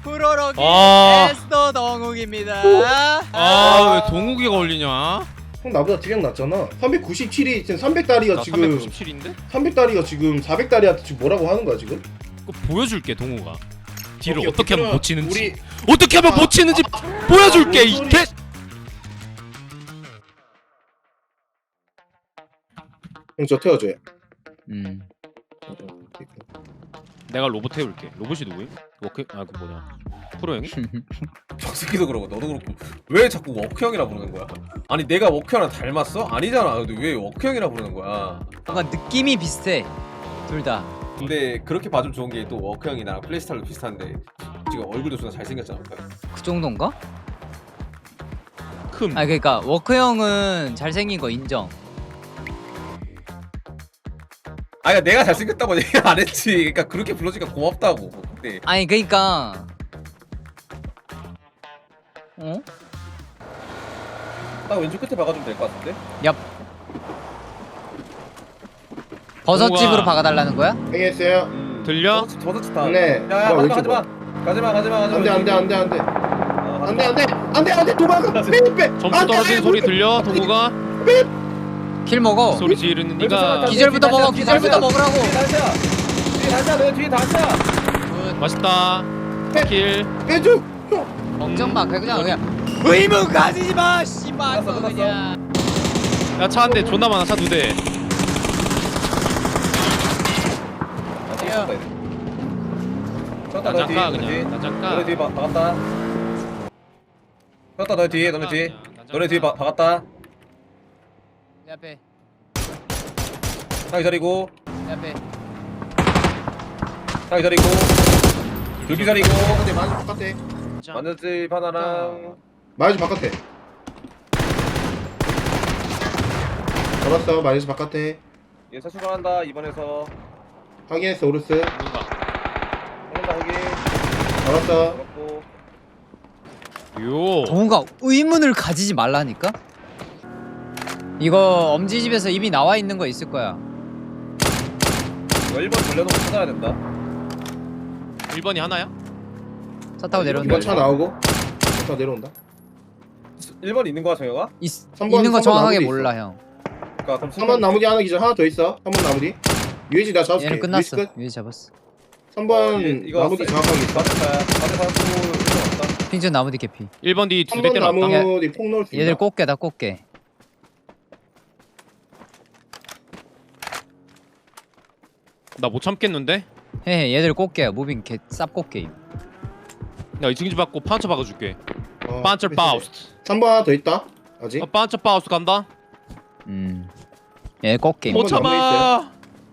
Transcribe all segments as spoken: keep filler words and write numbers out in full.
프로로기 아. 에스더 동욱입니다. 아 왜 동욱이가 걸리냐? 형 나보다 딜량 낮잖아. 삼백구십칠이 지금 삼백다리가 나 지금 삼백구십칠인데? 삼백다리가 지금 사백다리한테 지금 뭐라고 하는 거야 지금? 그거 보여줄게 동욱아. 뒤를 오케이, 어떻게 하면 오케이. 못 치는지. 우리 어떻게 하면 아, 못 치는지 보여줄게 아, 이 뭔 개. 형저 태워줘요. 음. 내가 로봇 태울게. 로봇이 누구임? 워크 아그 뭐냐? 프로 형이? 박새끼도 그러고 너도 그렇고 왜 자꾸 워크형이라 부르는 거야? 아니 내가 워크형이랑 닮았어? 아니잖아. 근데 왜 워크형이라 부르는 거야? 뭔가 느낌이 비슷해. 둘 다. 근데 그렇게 봐주면 좋은 게 또 워크형이랑 플레이스타일도 비슷한데 지금 얼굴도 존나 잘생겼잖아. 그 정도인가? 큼. 아 그러니까 워크 형은 잘생긴 거 인정. 아니 내가 잘생겼다고 얘기 안 했지. 그러니까 그렇게 불러주니까 고맙다고. 근데 아니 그러니까. 어? 딱 왼쪽 끝에 박아주면 될 것 같은데? 얍. 버섯집으로 동욱아. 박아달라는 거야? 행했어요. 음, 들려? 저거 저거 좋다. 네. 야야 뭐야, 가지마 왼쪽 가지마 가지마 가지마 가지마. 안돼 안돼 안돼 안돼 아, 안돼 안돼 안돼 안돼 도망가. 빼빼. 점수 떨어지는 소리 들려? 동욱아? 킬 먹어. 소리 지르는 니가 기절부터 먹어, 기절부터 먹으라고. 뒤에 다시야. 뒤에 다시야. 너 뒤에 다시야. 맛있다. 킬. 빼줘. 걱정 마. 그냥 그냥 의무 가지지 마. 씨발 끝났어, 끝났어. 그냥. 야 차 한 대 존나 많아. 차 두 대. 쳤다 나 너 뒤에. 잠깐 너 뒤에. 그냥. 나 너네 잠깐. 뒤에 박- 박았다. 쳤다 너 뒤에. 너네 뒤에. 너네 뒤에 박- 박았다. 내 앞에, 딱 기다리고. 내 앞에. 딱 기다리고. 둘 기다리고. 근데 마이즈 바깥에. 만년집 하나랑. 마이즈 바깥에. 잡았어. 마이즈 바깥에. 얘 사실 한다 이번에서. 확인했어 오르스. 누가? 한다 확인. 잡았어. 잡았고. 요. 동우가 의문을 가지지 말라니까? 이거 엄지집에서 이미 나와 있는 거 있을 거야. 이거 일 번 돌려놓고 찾아야 된다. 일 번이 하나야? 차 타고 내려온다. 이번 차 나오고. 차 내려온다. 일 번 있는 거야 정혁아? 있, 삼 번, 있는 거 삼 번 정확하게 나무도 몰라 형. 그니까 그럼 삼 번 나무디 하나 기절 하나 더 있어. 삼 번 나무디. 유해지 나 잡을게. 얘는 끝났어. 끝. 위에 잡았어. 삼 번 어, 얘- 이거 나무디 왔어. 정확하게 있어. 맞은 거야. 맞은 거야. 일 번 왔다. 핑준 나무디 개피. 일 번 뒤 두 삼 대 번 때려놨다. 나무디 폭 넣을 수 있나? 얘들 꽃게다 꽃게. 나 못 참겠는데? 헤헤 얘들 꽃게야. 무빙 개 쌉꽃게임. 나 이층지 받고 판처 박아줄게. 어, 판처 바우스트. 삼 번 하나 더 있다. 아직? 어, 판처 바우스트 간다. 음. 얘 꽃게임. 못 번 남아 참아.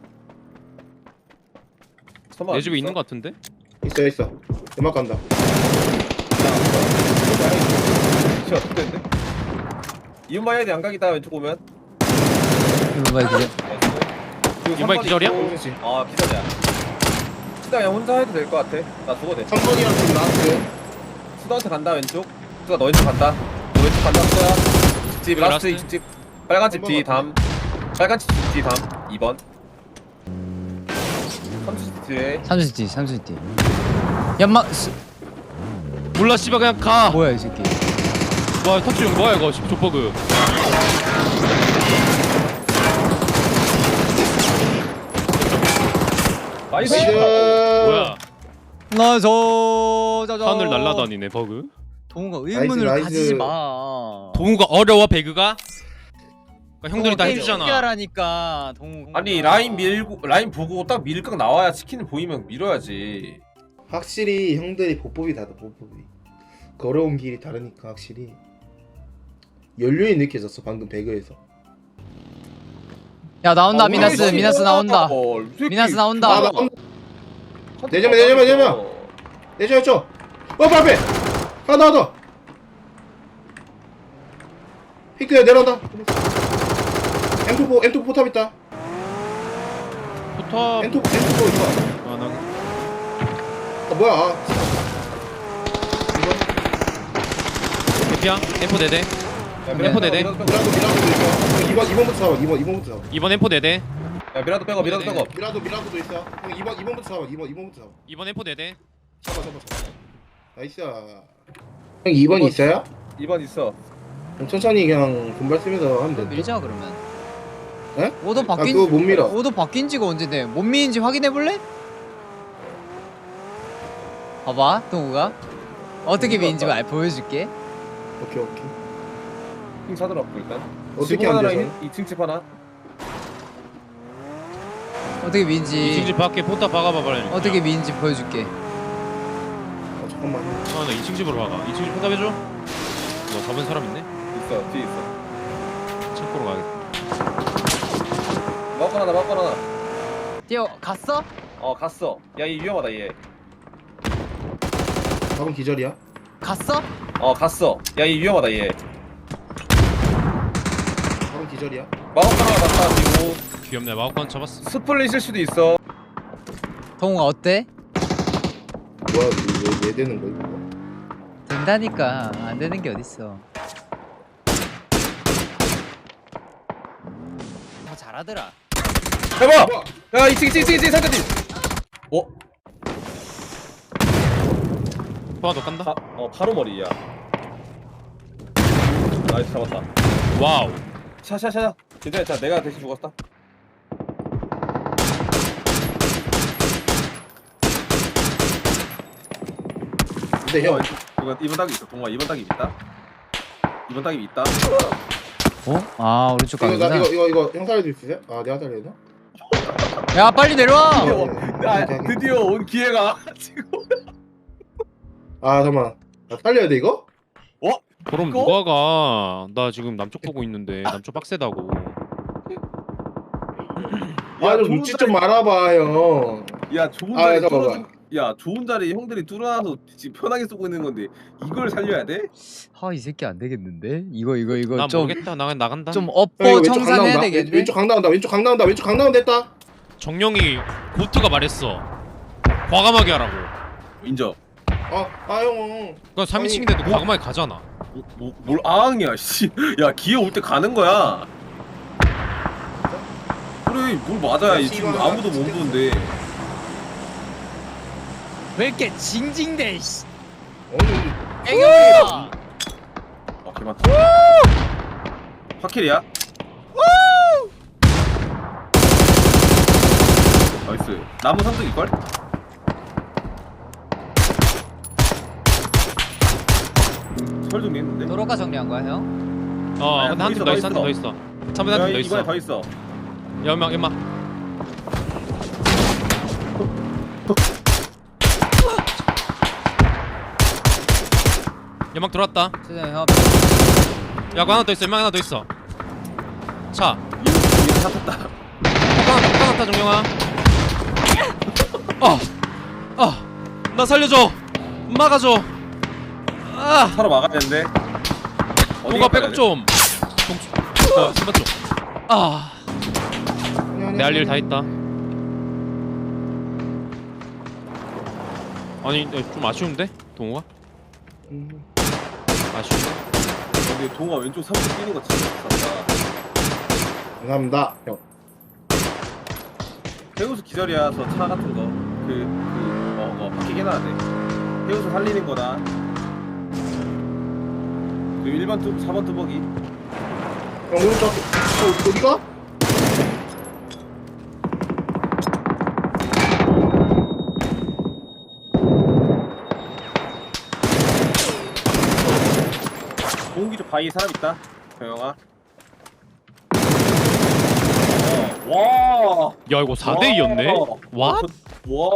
선발 내 집에 있어? 있는 거 같은데? 있어 있어. 음악 간다. 진짜 어떡했는데? 이윤바 해야 돼. 양각이다 왼쪽 오면. 이거 봐 기절. 이윤바이 기절이야? 그렇지. 아 기절이야. 수다 그냥 혼자 해도 될 것 같아. 나 죽어도 돼. 삼 번이랑 좀 나왔어. 수다한테 간다 왼쪽. 수다 너 왼쪽 간다. 너 왼쪽 간다 수다야. 집 라스트 라스트. 집. 빨간 집 삼 번 뒤 같아. 담. 빨간 집 뒤 담. 이 번. 삼수 집 뒤에. 삼수띠 삼수띠. 연막 스... 몰라 씨발 그냥 가. 뭐야 이 새끼. 와 터치 형 뭐야 이거 족버그. 나이스. 나이스. 뭐야? 나저 저저. 하늘 날라다니네 버그. 동우가 의문을 나이스, 나이스. 가지지 마. 동우가 어려워 배그가? 그러니까 형들이 다 해주잖아. 신기하라니까 동우. 아니 라인 밀고 라인 보고 딱 밀각 나와야 치킨 보이면 밀어야지. 확실히 형들이 보법이 다르다. 보법이. 걸어온 길이 다르니까 확실히 연륜이 느껴졌어 방금 배그에서. 야 나온다 아, 미나스 우리 미나스 나온다. 어, 이 새끼. 미나스 나온다. 아, 나 내려면, 내려면, 내려면. 내줘 내줘. 어 앞에 하나 더. 피크야 내려온다. 엠투포 엠투포 포탑 있다. 포탑. 엠투포 엠투포 있어. 아, 나 아 뭐야? 아. 개피야. 엠포 네대. 야, 엠포 네대. 미라도 빼고, 미라도 미라도도 있어. 이번 이번부터 잡아. 이번 이번부터 잡아. 이번 엠포 네대. 야 미라도 빼고 미라도 네네. 빼고. 미라도 미라도도 있어. 형 이번 이번부터 잡아. 이번 이번부터 잡아. 이번 엠포 네대. 잡아 잡아 잡아. 나이스. 형 이 번 있어요? 이 번 있어. 그럼 천천히 그냥 분발 쓰면서 하면 돼. 밀자 그러면. 에? 오도 아 바뀐 그거 못 밀어. 오도 바뀐 지가 언제인데 못 미인지 확인해 볼래? 봐봐 동우가 어떻게 미인지 말 보여줄게. 오케이 오케이. 핑 사들어 일단. 어떻게 지붕 안 하나랑 돼서? 이 층 집 하나. 어떻게 미인지 이층 집 밖에 포탑 박아봐 빨리. 어떻게 미인지 보여줄게. 어, 잠깐만. 아나 이층 집으로 박아. 이층 집 포탑 해줘. 뭐 잡은 사람 있네? 있어 뒤에 있어. 창고로 가야겠다. 마우컨 하나 마우컨 하나. 뛰어 갔어? 어 갔어. 야 이 위험하다 얘. 밥은 기절이야? 갔어? 어 갔어. 야 이 위험하다 얘. 밥은 기절이야? 마우컨 하나 갔다 그리고 귀엽네. 마우컨 잡았어. 스플릿일 수도 있어. 동우가 어때? 뭐야 왜, 왜 되는 거야 이거? 된다니까 안 되는 게 어딨어. 더 잘하더라. 해봐. 야 이층 이층 이층 이층 상대팀. 어? 포화 너 깐다. 바, 어 바로 머리야. 나이스 잡았다. 와우. 샤샤샤. 괜찮아 자 내가 대신 죽었다. 근데 형 이거 이번 딱이 있어. 동아 이번 딱이 있다. 이번 딱이 있다. 어? 아 오른쪽 이거 나 가는구나. 이거 이거 이거 형 살려줄 수 있어요? 아 내가 살려야 되나? 야 빨리 내려와. 네, 어, 네, 야 네, 네. 드디어 온 기회가 지금. 아 잠깐만. 나 살려야 돼 이거? 그럼 이거? 누가 가? 나 지금 남쪽 보고 있는데 남쪽 빡세다고. 아좀 좋은 눈치 자리- 좀 말아봐 형. 야 좋은 아, 자리 잠깐만. 뚫어주. 야 좋은 자리 형들이 뚫어놔서 지금 편하게 쏘고 있는 건데 이걸 살려야 돼? 아 이 새끼 안 되겠는데? 이거 이거 이거 난 좀 모르겠다. 나 나간다. 좀 형, 업보 이거 왼쪽 강 청산해야 나온다. 되겠네. 왼쪽 강 나온다. 왼쪽 강 나온다. 왼쪽 강 나온다 했다. 정령이 고트가 말했어. 과감하게 하라고. 인정. 아아 형. 그건 삼 인칭인데도 과감하게 가잖아. 뭐, 뭐, 뭘 아앙이야 씨. 야 기회 올 때 가는 거야. 그래 뭘 맞아야 이 지금 아무도 못 보는데. 왜 이렇게 징징대? 씨. 어느 애교야. 아 개많다. 파킬이야? 나이스. 나무 삼뚝일걸? 설 정리했는데? 도로가 정리한 거야 형? 어, 아니야, 근데 한 팀 더 더 있어, 있어, 한 팀 더 더 있어. 참에 야, 한팀 더 이번에 있어. 더 있어. 연막, 연막. 연막 들어왔다. 세상 형. 야, 그 하나 더 있어. 연막 하나 더 있어. 차. 이거 이거 사탔다. 폭 하나, 폭 하나 타, 정령아. 아, 아, 나 살려줘. 막아줘. 아, 차로 막아야 되는데. 누가 백업 좀. 동, 어, 신발 좀. 아, 내 할 일 다 했다. 아니, 네, 좀 아쉬운데? 동호가? 음. 아쉬운데? 근데 동아 왼쪽 삼뚝 뛰는 거 진짜 좋다. 감사합니다 형. 해우수 기절이라서 차 같은 거. 그, 그, 어, 어, 바뀌게 해놔야 돼. 해우수 살리는 거다. 그리고 일 번 뚜, 사 번 뚜벅이. 형 오른쪽. 어 어디가? 공기 쪽 바위 사람 있다. 경영아. 어, 와. 야, 이거 사 대 이였네? 와? 와.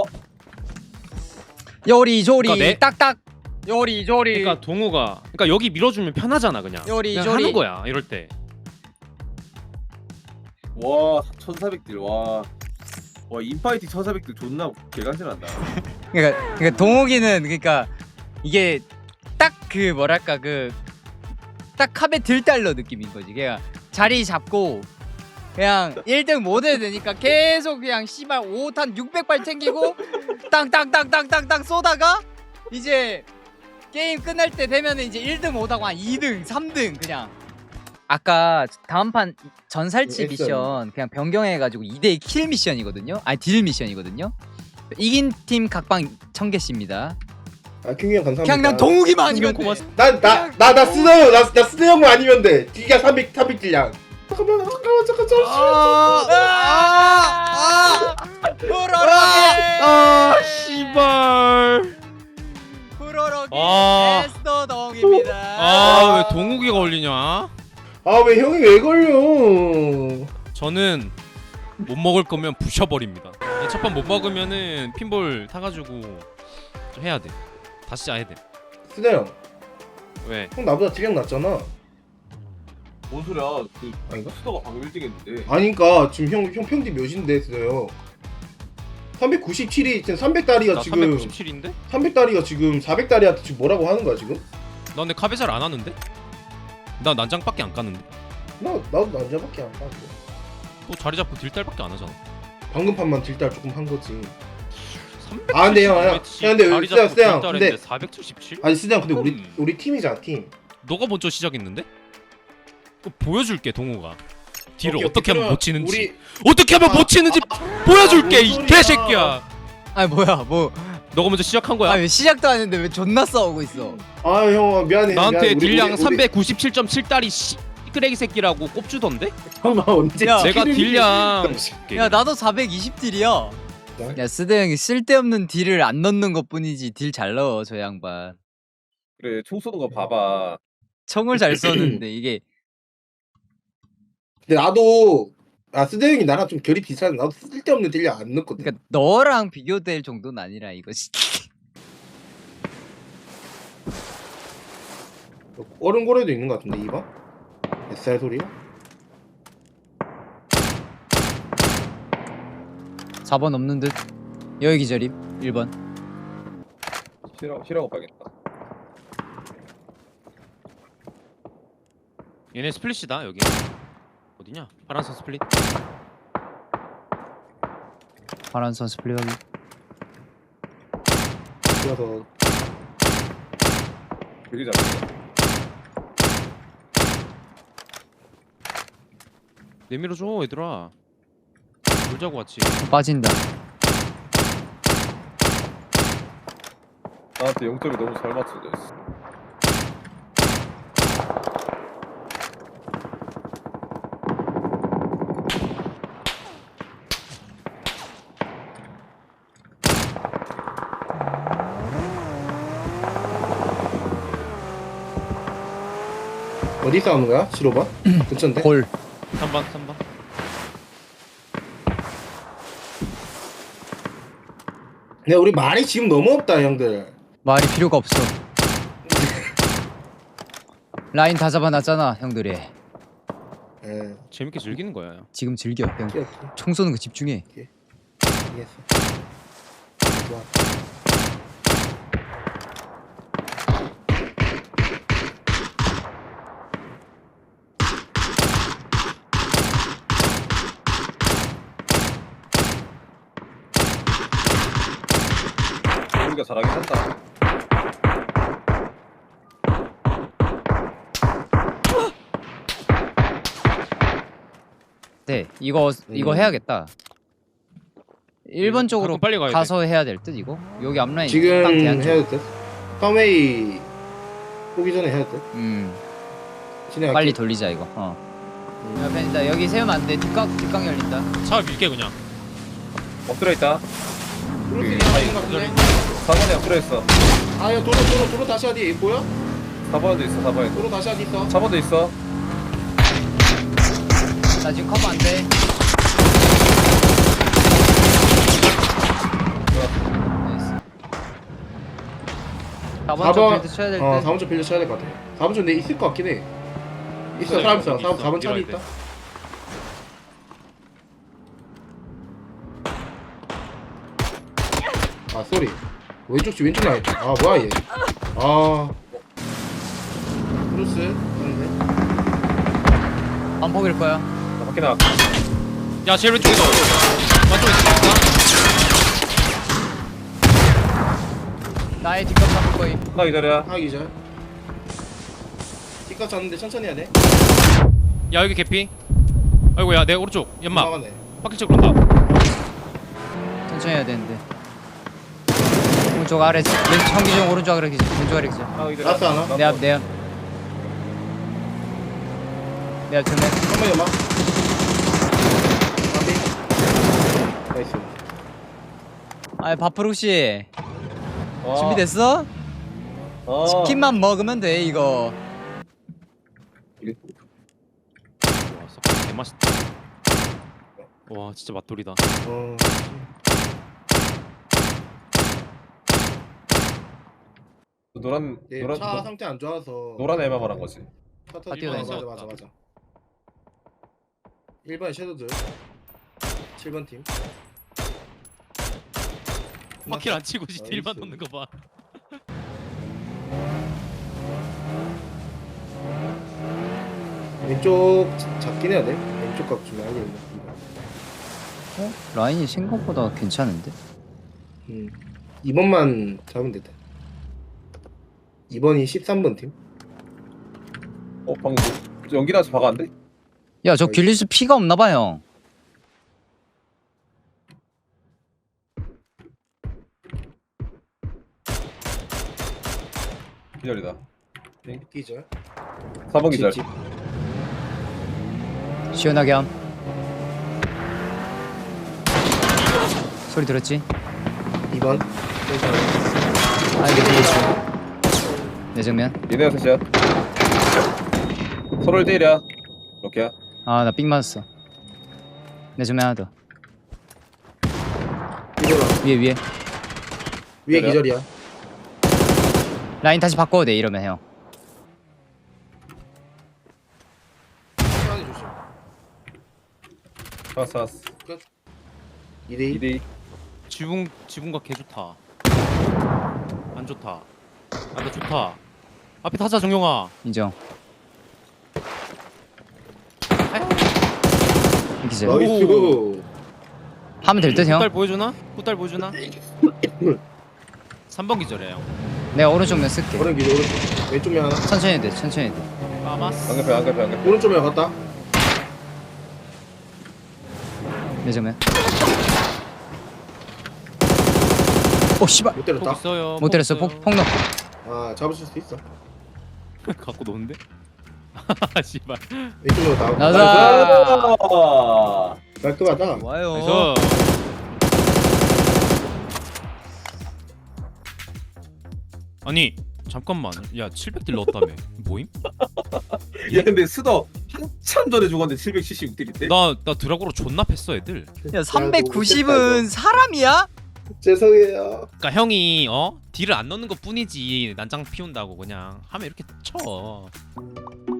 요리조리 그러니까 내- 딱딱. 요리조리. 그러니까 동호가 그러니까 여기 밀어주면 편하잖아 그냥. 요리, 그냥 요리. 하는 거야 이럴 때. 와, 천사백 딜. 와. 와, 인파이팅 천사백 딜 존나 개간질한다. 그러니까 그러니까 동욱이는 그러니까 이게 딱 그 뭐랄까 그 딱 컵에 들달러 느낌인 거지. 그냥 자리 잡고 그냥 일 등 못 해야 되니까 계속 그냥 씨발 오 탄 육백 발 챙기고 땅땅땅땅땅땅 쏘다가 이제 게임 끝날 때 되면 이제 일 등 못하고 한 이 등, 삼 등 그냥. 아까 다음 판 전살치 엑셀. 미션 그냥 변경해가지고 이 대 이 킬 미션이거든요. 아니 딜 미션이거든요. 이긴 팀 각방 천 개씩입니다. 아 킹이 형 감사합니다. 그냥 난 동욱이만 아니면 돼. 고맙습니다. 난나나나 스너 형, 나, 나 스너 형만 아니면 돼. D가 삼백 삼백 딜량. 잠깐만 잠깐만 잠깐 잠깐. 프로로기 아 씨발. 프로로기 아. 에스더 동욱입니다. 아 왜 동욱이가 걸리냐? 아 왜 형이 왜 걸려? 저는 못 먹을 거면 부셔버립니다. 첫 판 못 먹으면은 핀볼 타가지고 좀 해야 돼. 다시 해야 돼. 스너 형, 왜? 형 나보다 딜량 낮잖아. 뭔 소리야? 그 아닌가? 수도가 방금 일 등 했는데. 아니까 지금 형 형 평균 몇인데 스너요? 삼백구십칠이 지금 삼백 다리가 나 지금 삼백구십칠인데? 삼백 다리가 지금 사백 다리한테 지금 뭐라고 하는 거야 지금? 나 근데 카베 잘 안 하는데? 나 난장밖에 안 까는데. 나 나도 남자밖에 안 봤어. 또 자리 잡고 딜달밖에 안 하잖아. 방금 판만 딜달 조금 한 거지. 삼백칠십 아, 근데 형, 형, 매치, 형, 근데 자리 스양, 잡고 스양, 딜달했는데 근데- 사백칠십칠? 아니 스장 근데 우리 음. 우리 팀이잖아 팀. 너가 먼저 시작했는데? 그거 보여줄게 동우가. 딜을 오케이, 어떻게 오케이. 하면 못 치는지. 우리 어떻게 하면 아, 못 치는지 보여줄게 뭔 이 소리야. 개새끼야. 아니 뭐야 뭐 너가 먼저 시작한 거야. 아니 시작도 안 했는데 왜 존나 싸우고 있어. 아 형 미안해. 나한테 미안해. 우리- 딜량 우리- 우리- 삼백구십칠 점 칠 달이 씨 쓰레기 새끼라고 꼽주던데? 잠깐만 언제? 야, 내가 치킨을- 딜량 야 나도 사백이십 딜이야. 야 스드 형이 쓸데없는 딜을 안 넣는 것뿐이지 딜 잘 넣어 저 양반. 그래 총 쏘는 거 봐봐. 청을 잘 썼는데 이게 근데 나도 아 스대 형이 나랑 좀 결이 비슷한데 나도 쓸데없는 딜량 안 넣거든. 그러니까 너랑 비교될 정도는 아니라 이거. 얼음고래도 있는 것 같은데 이봐. 뱃살 소리야? 사 번 없는 듯. 여기 기절임. 일 번. 싫어 싫어하고 봐야겠다. 얘네 스플릿이다 여기. 어디냐? 파란색 스플릿. 파란선 스플릿 확인. 그래서 되게 잘했어. 내밀어줘 얘들아. 놀자고 왔지. 빠진다. 나한테 영점이 너무 잘 맞춰져 있어. 어디 싸우는 거야? 시로바? 근처인데? 골. 삼 번 삼 번. 근데 우리 말이 지금 너무 없다 형들. 말이 필요가 없어. 라인 다 잡아놨잖아 형들이. 예, 재밌게 즐기는 거야. 지금 즐겨. 그냥 오케이 총 쏘는 거 집중해. 오케이 이해했어. 좋아. 우리가 잘하긴 한다. 네 이거 이거 음. 해야겠다. 일 번 쪽으로 가끔 빨리 가야 돼. 가서 해야 될 듯 이거. 여기 앞라인 지금 딱 대한 쪽. 해야 될 듯? 펌웨이 오기 전에 해야 될 듯? 음 진행할게. 빨리 돌리자 이거. 어. 야 벤다 여기 세우면 안 돼. 뒷각 뒷각 열린다. 차 밀게 그냥. 엎드려 있다. 그렇게 그, 하는 거 같은데? 사 번에 엎드려 있어. 아야 도로 도로 도로 다시 어디 보여? 사 번에도 있어. 사 번에도. 도로 다시 어디 있어? 사 번도 있어. 나 지금 커버 안 돼. 나이스. 사 번 쪽 빌드 쳐야 될 듯. 어 사 번 좀 빌려 쳐야 될 것 같아. 사 번 좀 내 있을 것 같긴 해. 있어 있어, 사람 있어, 있어. 있어. 사 번 차리 밀어야 있다. 아 쏘리. 왼쪽 집 왼쪽 나와 있다. 아 뭐야 얘. 아 크루스 하는데. 반폭일 거야. 나 밖에 나갈게. 야 제일 왼쪽에 너. 맞쪽 있어. 나의 뒷각 잡을 거임. 나 기다려. 하기 전. 뒷값 잤는데 천천히 해야 돼. 야 여기 개피. 아이고 야 내 오른쪽 연막. 막아내. 바퀴 쪽으로 온다. 천천히 해야 되는데. 오른쪽 아래 왼 청기중 오른쪽 아래 기절 왼쪽 아래 기절 아, 이들 라스 하나? 내 앞 내 앞 내 앞 정면 한번 연막. 나이스. 아이 바프룩씨 와. 준비됐어? 어. 치킨만 먹으면 돼 이거 와 썩 개맛있다. 와 진짜 맛돌이다. 어. 노란 예, 노란 차 노- 상태 안 좋아서. 노란 애만 말한 거지. 차 타지 뛰어다니. 마. 맞아 맞아 맞아. 일 번 섀도우들. 칠 번 팀. 바퀴 안 치고 나이스. 딜만 넣는 거 봐. 왼쪽 잡- 잡긴 해야 돼. 왼쪽 각 좀 알고 있네. 어? 라인이 생각보다 괜찮은데? 음. 이 번만 잡으면 됐다. 이 번이 십삼 번 팀. 어 방금 뭐- 연기 나서 박았는데? 야 저 길리스 피가 없나봐 형 기절이다. 기절. 사 번 기절. 집, 집. 시원하게 함 소리 들었지? 이 번. 아 이게 길리스 내 정면 얘네가 셋이야. 서로를 때려. 이렇게야. 아 나 삑 맞았어 내 정면 하나 더 기절. 위에 위에 위에 그래요? 기절이야. 라인 다시 바꿔도 돼 이러면 형 시간이 조심. 알았어 알았어. 이 대 이. 이 대 이. 지붕 지붕가 개 좋다. 안 좋다. 아나 좋다. 앞에 타자 정용아. 인정 기절 나이스. 하면 될 듯 형 후딸 보여주나? 후딸 보여주나? 삼 번 기절해 형. 내가 오른쪽 면 쓸게 오른 기절 오른쪽. 왼쪽 면 하나. 천천히 해도 돼 천천히 해도 돼 까마스. 안개패 안개패 안개패. 오른쪽 면 갔다. 내 정면 오 씨발 못 폭 때렸다. 있어요. 못 때렸어 있어요. 폭, 폭 넣고 아 잡으실 수 있어. 갖고 노는데? 씨발. 왼쪽 면 나오고. 나가 아. 깔끔하다. 좋아요 그래서 아니 잠깐만. 야 칠백 딜 넣었다며. 뭐임? 야 근데 스더 한참 전에 죽었는데 칠백칠십육 딜인데? 나 나 드라고로 존나 팼어 애들. 야 삼백구십은 사람이야? 죄송해요. 그러니까 형이 어 딜을 안 넣는 것 뿐이지 난장 피운다고 그냥 하면 이렇게 쳐.